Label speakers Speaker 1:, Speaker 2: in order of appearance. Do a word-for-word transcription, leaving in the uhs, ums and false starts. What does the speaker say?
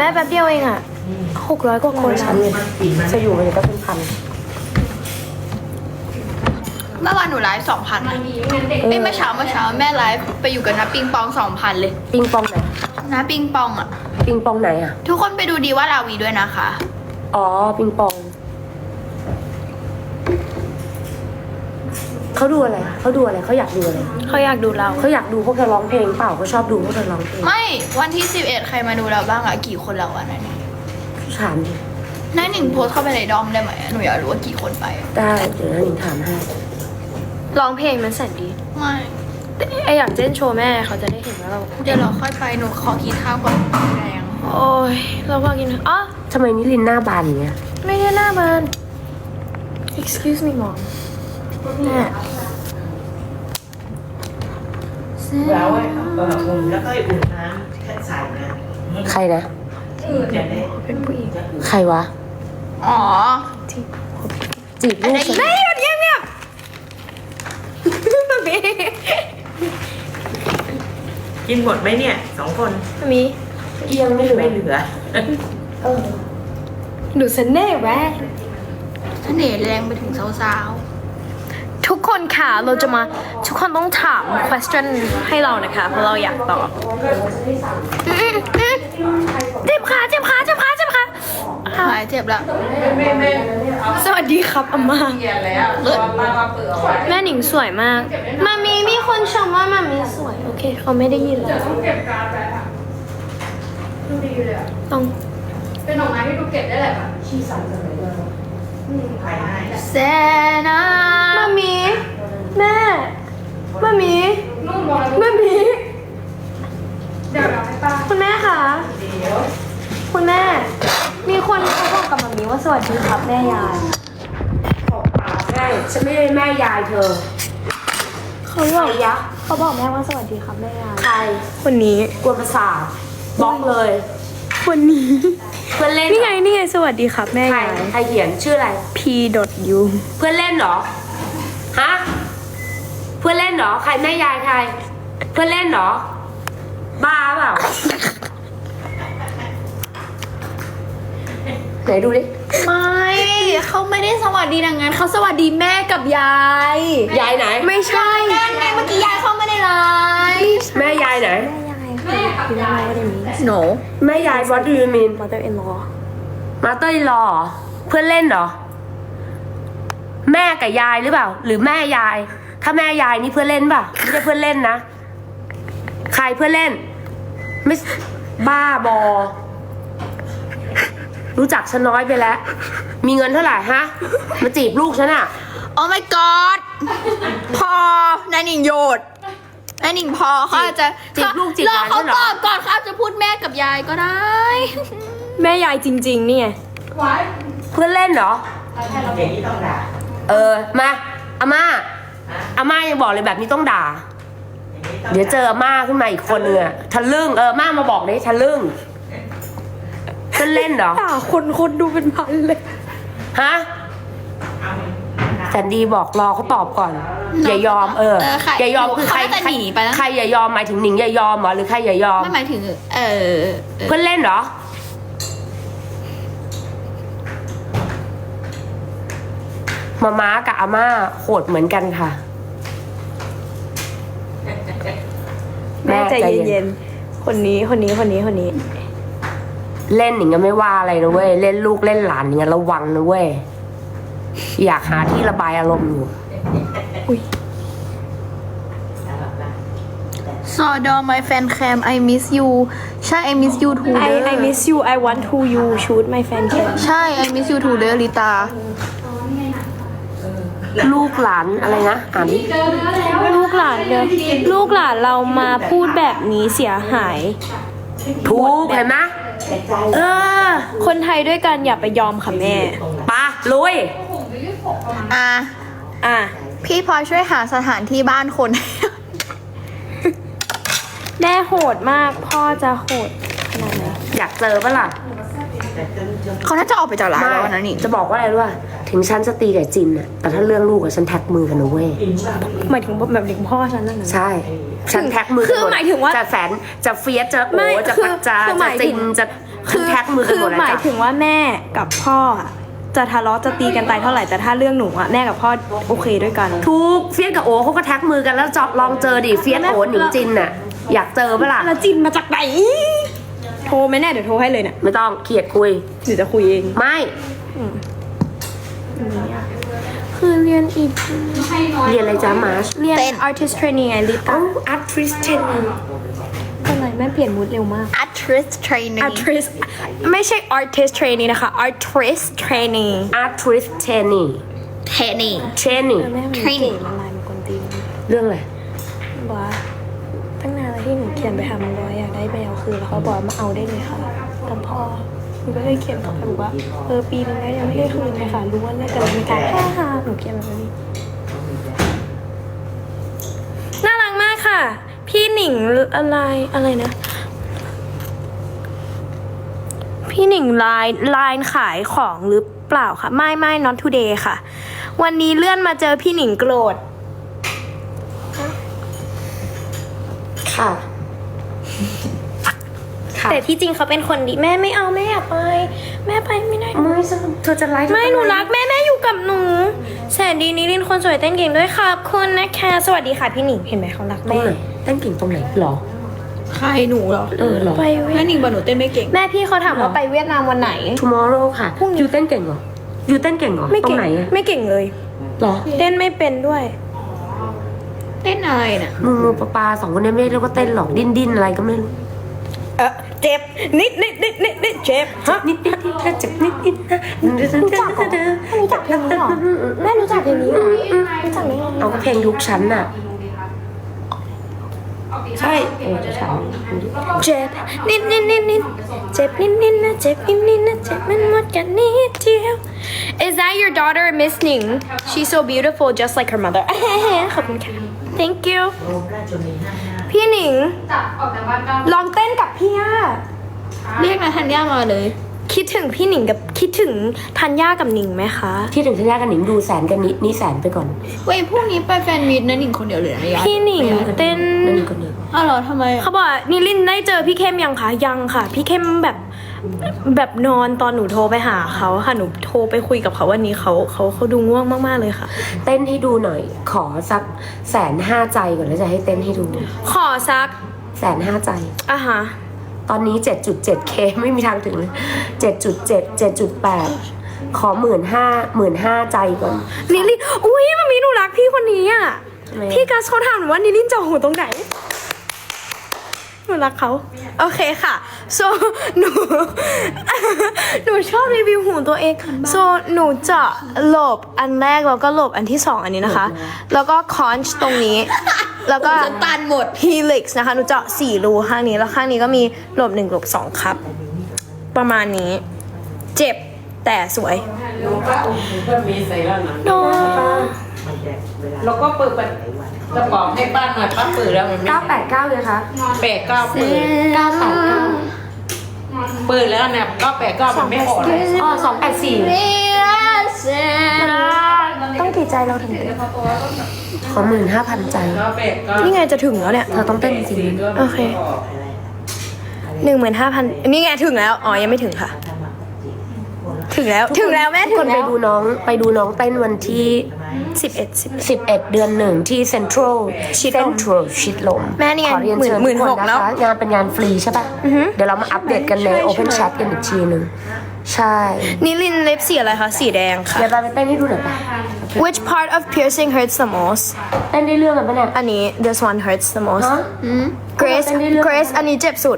Speaker 1: ม่แป๊บเดียวเองอ่ะหกร้อยกว่าคน
Speaker 2: ฉันเนี่ยจะอยู่มันก็เป็นพัน
Speaker 3: เมื่อวานหนูไลฟ์สองพันเอ้ยเมื่อเช้าเมื่อเช้าแม่ไลฟ์ไปอยู่กับน้าปิงปองสองพันเลย
Speaker 2: ปิงปองไหน
Speaker 3: น้าปิงปองอ่ะ
Speaker 2: ปิงปองไหนอ่ะ
Speaker 3: ทุกคนไปดูดีว่าลาวีด้วยนะคะ
Speaker 2: อ๋อปิงปองเขาดูอะไรเขาดูอะไรเขาอยากดูอะไร
Speaker 1: เขาอยากดูเรา
Speaker 2: เขาอยากดูพวกเธอร้องเพลงเปล่าเขาชอบดูพวกเธอร้องเพลง
Speaker 3: ไม่วันที่สิบเอ็ดใครมาดูเราบ้างอะกี่คนเราอะนั่นนี่
Speaker 2: ถามดิ
Speaker 3: นายหนิงโพสต์เข้าไปในดอมได้ไหมหนูอยากรู้ว่ากี่คนไปอะ
Speaker 2: ได้เดี๋ยวนะหนิงถามให้
Speaker 1: ร้องเพลงมันแสนดี
Speaker 3: ไม่
Speaker 1: แต่ไออยากเต้นโชว์แม่เขาจะได้เห็นว่าเรา
Speaker 3: เดี๋ยวเราค่อยไปหนูขอกินข้าวก่อนแรง
Speaker 1: โอ้ยเราพอกินอ๋อ
Speaker 2: ทำไมนิลินหน้าบานอย่างเงี้ย
Speaker 1: ไม่ได้หน้ามัน excuse me mom แม่
Speaker 4: แล้วไอ้เอออุ่นแล้วก็อุ่นน้ำแค่ใส่นะ
Speaker 2: ใครนะ
Speaker 4: จะได้
Speaker 1: เป็นผู้หญิง
Speaker 2: ใครวะ
Speaker 3: อ๋อ
Speaker 1: ที่
Speaker 2: จีบลูกฉัน
Speaker 1: ไม่หยุดเงียบเงียบมามี
Speaker 4: กินหมดไหมเนี่ยสองคน
Speaker 1: มามี
Speaker 2: เอียงไม่เหลือ
Speaker 4: ไม่เหลือ
Speaker 2: เออ
Speaker 1: ดูเสน่ห์แวะ
Speaker 3: เสน่ห์แรงไปถึงสาว
Speaker 1: ทุกคนค่ะเราจะมาทุกคนต้องถาม question ให้เรานะคะเพราะเราอยากตอบอืมอืมเจ็บขาเจ็บขาเจ็บขาเจ็บขา
Speaker 3: ๆหายเจ็บแล้ว
Speaker 1: สวัสดีครับอาม่า
Speaker 3: เลิศ
Speaker 1: แม่หนิงสวยมากมามีมีคนชมว่ามามีสวยโอเคเขาไม่ได้ยินเลยต้อง
Speaker 5: เป็นดอกไม้ที่ดูเก็บได้แหละค่ะ
Speaker 4: ภายใน
Speaker 3: แซนา
Speaker 1: มามีแม่มามี
Speaker 5: นู่นมองแล้ว
Speaker 1: มามี
Speaker 5: เดี๋ยวเราให้ป้า
Speaker 1: คุณแม่คะคุณแม่ มีคนเขาบอกกับมามีว่าสวัสดีครับแม่ยาย
Speaker 2: ใช่ฉันไม่ได้แม่ยายเธอ
Speaker 1: เขาบอกยะเขาบอกแม่ว่าสวัสดีครับแม่ยาย
Speaker 2: ใคร
Speaker 1: คนนี้
Speaker 2: กวนประสาทบล็อกเลย
Speaker 1: คนนี้
Speaker 2: เพื่อนเล่น
Speaker 1: นี่
Speaker 2: เหร
Speaker 1: ไง
Speaker 2: อ
Speaker 1: นี่ไงสวัสดีครับแม่
Speaker 2: ใคร
Speaker 1: ยาย
Speaker 2: ใครเขียนชื่ออะไร
Speaker 1: p u
Speaker 2: เพื่อนเล่นเหรอ ฮะ เพื่อนเล่นเหรอ ใครแม่ยายใคร เพื่อนเล่นเหรอ บ้าเปล่า ไหนดูดิ
Speaker 3: ไม่เขาไม่ได้สวัสดีดังนั้นเขาสวัสดีแม่กับยาย
Speaker 2: ยายไหน
Speaker 1: ไม่ใช่
Speaker 3: นั่นไงเมื่อกี้ยายเข้าไม่ได้ไลฟ์
Speaker 2: แม่ยายไหน
Speaker 1: แม่ค่ะคืออะไรว่าเดมี
Speaker 3: หนู
Speaker 2: แม่ยาย what do you mean
Speaker 1: mother in law
Speaker 2: มาเตอร์รอเพื่อนเล่นเหรอ แม่กับยายหรือเปล่า หรือแม่ยาย ถ้าแม่ยายนี่เพื่อนเล่นเปล่าไม่ใช่เพื่อนเล่นนะ ใครเพื่อนเล่น ไม่บ้าบอ รู้จักฉันน้อยไปแล้ว มีเงินเท่าไหร่ฮะ มาจีบลูกฉันอะ
Speaker 3: โอ้ my god พอนายหนิงโยดนายหนิงพอเขาอาจจะ
Speaker 2: จีบลูกจีบห
Speaker 3: รอ
Speaker 2: ลาน
Speaker 3: เขา
Speaker 2: ฉันเหร
Speaker 3: ต
Speaker 2: อ
Speaker 3: อบก่อนเขาอาจจะพูดแม่กับยายก็ได้
Speaker 1: แม่ยายจริงๆนี่ไง
Speaker 5: ไว้
Speaker 2: เพื่อนเล่นเหรอ
Speaker 4: อย่างนี้ต้องด่า
Speaker 2: เออ มาอาม่าอาม่ายังบอกเลยแบบนี้ต้องด่า
Speaker 4: อย่างนี้ต้อง
Speaker 2: เดี๋ยวเจออาม่าขึ้นมาอีกคนนึงอะทะลึ่งเออม่ามาบอกเลยทะลึ่งเพื่อนเล่นเหรอ
Speaker 1: ด่าคนคนดูเป็นพันเลย
Speaker 2: ฮะแสนดีบอกรอเขาตอบก่อน อย่ายอมเออ
Speaker 3: เออใคร
Speaker 2: อย่ายอมคือใคร
Speaker 3: เขาน่าจะหนีไปแล้ว
Speaker 2: ใครอย่ายอมหมายถึงหนิงอย่ายอมเหรอหรือใครอย่ายอม
Speaker 3: ไม่หมายถึง เออเออ
Speaker 2: เพื่อนเล่นเหรอ มาม้ากับอาม่าโหดเหมือนกันค่ะ
Speaker 1: แม่ใจเย็นๆคนนี้คนนี้คนนี้คนนี้
Speaker 2: เล่นอย่างเงี้ยไม่ว่าอะไรนะเว้ยเล่นลูกเล่นหลานอย่างเงี้ยระวังนะเว้ยอยากหาที่ระบายอารมณ์อยู่
Speaker 3: ซอดอ my fan cam I miss you ใช่ I miss you too
Speaker 1: I
Speaker 3: เด้อ
Speaker 1: I miss you I want to you shoot my fan cam
Speaker 3: ใช่ I miss you too เด้อลิตา
Speaker 2: ลูกหลานอะไรนะอ่านดิ
Speaker 5: เจอเนื้อแล้ว
Speaker 1: ลูกหลานเดินลูกหลานเรามาพูดแบบนี้เสียหาย
Speaker 2: ถูกเห็นไหมเออ
Speaker 1: คนไทยด้วยกันอย่าไปยอมค่ะแม่
Speaker 2: ปะลุย
Speaker 3: อ่ะ
Speaker 1: อ่ะ
Speaker 3: พี่พลอยช่วยหาสถานที่บ้านคน
Speaker 1: แม่โหดมากพ่อจะโหดขนาดไหน
Speaker 2: อยากเจอปะล่ะ
Speaker 3: เขาน่าจะออกไปจากร้านแล้วนะนี่
Speaker 2: จะบอกว่าอะไรรู้ป่ะถึงฉันจะตีกับจินน่ะแต่ถ้าเรื่องลูกอะฉันแท็กมือกันนะเว้ย
Speaker 1: หมายถึงแบบถึงพ่อฉันนั่นนะ
Speaker 2: ใช่ฉันแท็กมือ
Speaker 1: คือหมายถึงว่า
Speaker 2: จะแสนจะเฟียสจะโอ
Speaker 1: ไม่
Speaker 2: จะ
Speaker 1: คือ
Speaker 2: ปักจะ
Speaker 1: คือห
Speaker 2: จะ
Speaker 1: มาย
Speaker 2: จิ
Speaker 1: ถึ
Speaker 2: น
Speaker 1: ง
Speaker 2: จะฉันแท็กมือกันหมดแล้ว
Speaker 1: คือหมาย
Speaker 2: จ้ะ
Speaker 1: ถึงว่าแม่กับพ่ออะจะทะเลาะจะตีกันตายเท่าไหร่แต่ถ้าเรื่องหนูอะแม่กับพ่อโอเคด้วยกัน
Speaker 2: ทุกเฟียสกับโอเขาก็แท็กมือกันแล้วจอบลองเจอดิเฟียสโอหนิงจินน่ะอยากเจอปะล่ะ
Speaker 1: แล้วจินมาจากไหนโทรไหมแน่เดี๋ยวโทรให้เลยเนี่ย
Speaker 2: ไม่ต้องเขียดคุย
Speaker 1: หรือจะคุยเอง
Speaker 2: ไม่
Speaker 1: คือเรียนอีก
Speaker 5: ให้น้อย
Speaker 2: เรียนอะไรจ้ามาร์ช
Speaker 1: เรียน artist training ไงลิ
Speaker 2: เอ้า
Speaker 1: ต้า
Speaker 2: อาร์ติสเทน
Speaker 1: เป็นไรแม่เปลี่ยนมูดเร็วมาก
Speaker 3: actress training
Speaker 1: artist ไม่ใช่ artist training นะคะ artist training
Speaker 2: อาร์ติสเทนนี่
Speaker 3: training
Speaker 2: เทรนนิ่ง
Speaker 1: แม่มันเก่
Speaker 3: Training
Speaker 1: งละลายมันกวนตีน
Speaker 2: เรื่องอะไร
Speaker 1: บอกว่าตั้งนานแล้วที่หนูเขียนไปหามันร้อยอยากได้แมวคืนแล้วเขาบอกว่ามาเอาได้เลยค่ะกับพ่อหนูก็เลยเขียนกลับไปบอกว่าเออปีนึงแล้วยังไม่ได้คืนเลยค่ะรู้ว่าเลิกกันแล้วมีการฮ่าฮ่าหนูเขียนแบบนี้น่ารักมากค่ะ พี่หนิงอะไรอะไรนะ พี่หนิงไลน์ไลน์ขายของหรือเปล่าคะไม่ไม่ not today ค่ะ วันนี้เลื่อนมาเจอพี่หนิงโกรธ
Speaker 2: ค่ะ ค่ะ
Speaker 1: แต่ที่จริงเขาเป็นคนดีแม่ไม่เอาแม่อยากไป แม่ไปไม่ได้
Speaker 2: ไม่สนุกเธอจะไลฟ์
Speaker 1: ไม่หนูรักแม่แม่อยู่กับหนูแสนดีนิรินทร์คนสวยเต้นเก่งด้วยค่ะคุณนะคะสวัสดีค่ะพี่หนิงเห็นไหมเขารัก
Speaker 2: ตรง
Speaker 1: แม่
Speaker 2: ไหนเต้นเก่งตรงไหนหรอ
Speaker 3: ใครหนูเหรอ
Speaker 2: เออหรอ
Speaker 1: ไปเวี
Speaker 3: แม่
Speaker 1: ยด
Speaker 3: นิงบอกหนูเต้นไม่เก่ง
Speaker 1: แม่พี่เขาถามว่าไปเวียดนามวันไหน
Speaker 2: tomorrow ค่ะ
Speaker 1: พรุ่งนี้
Speaker 2: ยูเต้นเก่งเหรอยูเต้นเก่งเหรอ
Speaker 1: ไม่
Speaker 2: ตร
Speaker 1: เก่
Speaker 2: ง
Speaker 1: ง
Speaker 2: ไหนอะ
Speaker 1: ไม่เก่งเลย
Speaker 2: หรอ
Speaker 1: เต้นไม่เป็นด้วย
Speaker 3: เต้นอะไรน่ะ
Speaker 2: มือมือปลาปลาสองคนนี้ไม่เรียกว่าเต้นหรอกดิ้นดิ้นอะไรก็ไม่รู้
Speaker 1: เออเจ็บนิดนิดนิดนิดนิดเจ็บฮะ
Speaker 2: นิดนิดนิดถ้าเจ็บนิดนิดนะ
Speaker 1: รู้จักเหรอรู้จักเพลงนี้เหรอแม่รู้จักเพลงนี้เหรอรู้จักไหม
Speaker 2: เอาก็เพลงทุกชั้นน่ะ ใช่เออจะชั้น
Speaker 1: เจ็บนิดนิดนิดนิดเจ็บนิดนิดนะเจ็บนิดนิดนะเจ็บมันหมดกันนิดเดียว Is that your daughter Miss Ning She's so beautiful just like her mother ขอบคุณค่ะ Thank you
Speaker 4: โอ้ราชนีห้าห้า
Speaker 1: พี่หนิง
Speaker 5: จับออกจากบ้านเก้า
Speaker 1: ลองเต้นกับพี่ย่า
Speaker 3: เรียกนาธัญญามาเลย
Speaker 1: คิดถึงพี่หนิงกับคิดถึงธัญญากับหนิงไหมคะ
Speaker 2: ที่ถึงสัญญากันหนิงดูแสนกันนิดนี่แสนไปก่อน
Speaker 3: เว้ยพรุ่งนี้ไปแฟนมีตนะหนิงคนเดียวเลยนะยาย
Speaker 1: พี่หนิงเต้น
Speaker 2: นั่นนี่คนเดียว
Speaker 3: อ้าวเหรอทำไมอะ
Speaker 1: เขาบอกว่านิลินได้เจอพี่เข้มยังคะยังค่ะ พี่เข้มแบบแบบนอนตอนหนูโทรไปหาเขาค่ะหนูโทรไปคุยกับเขาวันนี้เขาเขาเขาดูง่วงมากๆเลยค่ะ
Speaker 2: เต้นให้ดูหน่อย ขอสักแสนห้าใจก่อนแล้วจะให้เต้นให้ดู
Speaker 1: ขอซัก
Speaker 2: แสนห้าใจ
Speaker 1: อ่ะฮะ
Speaker 2: ตอนนี้ เจ็ดจุดเจ็ดเค ไม่มีทางถึงเลย เจ็ดจุดเจ็ด เจ็ดจุดแปด ขอหมื่นห้าหมื่นห้าใจก่อน
Speaker 1: นิลินอุ้ยมันมีหนูรักพี่คนนี้อ่ะ
Speaker 2: ทำไม
Speaker 1: พี่กัสเขาถามหนูว่านิลินจะหูตรงไหนหนูรักเขาโอเคค่ะ so หนู หนูชอบรีวิวหูตัวเอง so หนูจะหลบอันแรกแล้วก็หลบอันที่สองอันนี้นะคะ แล้วก็คอนช์ตรงนี้ แล้วก็
Speaker 3: ฉันตันหมด
Speaker 1: helix นะคะหนูเจาะสี่รูข้างนี้แล้วข้างนี้ก็มีหลบหนึ่งหลบสองครับ ประมาณนี้ เจ็บแต่สวย
Speaker 4: ก็มีใส่แล้วนะ
Speaker 1: โน
Speaker 4: มันแดกเวลาเราก็เปิดกระป๋องให้ป้าหน่อยป้าเปิดแล้วมันไม่
Speaker 2: เก้าแปดเก้าเลยคะ
Speaker 4: แปดเก้าเปิด
Speaker 2: เก้าแปดเก้า
Speaker 4: เปิดแล้วเนี่ยเก้าแปดเก้ามันไม่ออกเลย
Speaker 2: อ๋อสองแปดสี่
Speaker 1: ต้องกี่ใจเราถึงจะ
Speaker 2: ขอหมื่นห้าพันใจ
Speaker 4: เก้าแปดเก้า
Speaker 1: นี่ไงจะถึงแล้วเนี่ย
Speaker 2: เธอต้องเต้นจริง
Speaker 1: โอเค หนึ่งหมื่นห้าพันนี่ไงถึงแล้ว อ๋อ ยังไม่ถึงค่ะ ถึงแล้ว ถึงแล้วแม่
Speaker 2: ทุก
Speaker 1: ถึ
Speaker 2: ค
Speaker 1: ง
Speaker 2: นไป
Speaker 1: แล้ว
Speaker 2: ดูน้องไปดูน้องเต้นวันที่
Speaker 1: สิบเอ็ดสิบ
Speaker 2: สิบเอ็ดเดือนหนึ่งที่เซ็นทรัล
Speaker 1: ชิดลม
Speaker 2: เซ็นทรัลชิดลม
Speaker 1: แม่นี่ไง
Speaker 2: ขอเรียนเชิญ
Speaker 1: หมื่น
Speaker 2: ทุก
Speaker 1: ห
Speaker 2: ค
Speaker 1: ก
Speaker 2: น
Speaker 1: แล้
Speaker 2: นะ
Speaker 1: ว
Speaker 2: คะงานเป็นงานฟรีใช่ปะ
Speaker 1: อือฮึ
Speaker 2: เดี๋ยวเรามาอัปเดตกันใน
Speaker 1: ใช่
Speaker 2: Open
Speaker 1: ใช่
Speaker 2: Chat กันอีกทีหนึ่งใช่
Speaker 1: นิลินเล็บสีอะไรคะ สีแดงค่ะ
Speaker 2: เดี๋ยวเราไปเต้นให้ดูหน่อยปะ
Speaker 1: Which part of piercing hurts the most
Speaker 2: เต้นได้เรื่องกันปะเนี่ย
Speaker 1: อันนี้ this one hurts the most
Speaker 2: ฮะ
Speaker 1: Grace
Speaker 2: เต้นได้เรื่อง
Speaker 1: Grace อันนี้เจ็บสุด